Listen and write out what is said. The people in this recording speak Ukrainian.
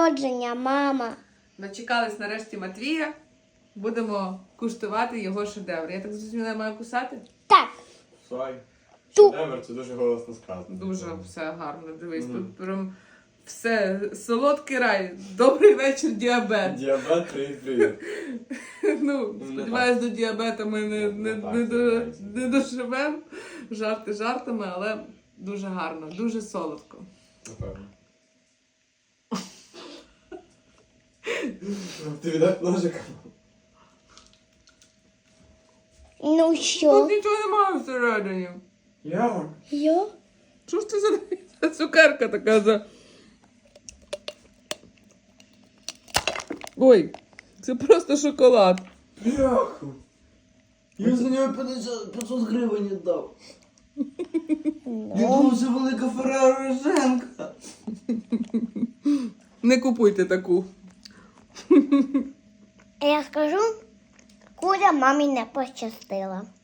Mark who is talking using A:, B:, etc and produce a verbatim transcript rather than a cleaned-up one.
A: народження, мама.
B: Дочекались нарешті Матвія. Будемо куштувати його шедевр. Я так зрозуміла, я маю кусати?
A: Так.
C: Слай.
A: Ту.
C: Шедевр, це дуже голосно сказано.
B: Дуже все гарно. Дивись,
C: Мгм.
B: тут прям все. Солодкий рай. Добрий вечір, діабет.
C: Діабет, привіт, привіт.
B: Ну, сподіваюсь, до діабета ми не, не,
C: Не так,
B: не, до,
C: сподіваюся.
B: не доживемо. Жарти жартами, але дуже гарно, дуже солодко.
C: Напевно. Ти віддай ножика?
A: Ну
B: Тут
A: що?
B: нічого немає всередині.
C: Як?
A: Йо?
B: Що ж це за, за цукерка така за. Ой, це просто шоколад.
C: Бляху. Я за нього п'ятсот гривень віддав. Я думав, це велика Ферреро Роженка.
B: Не купуйте таку.
A: Я скажу, куря мамі не пощастила.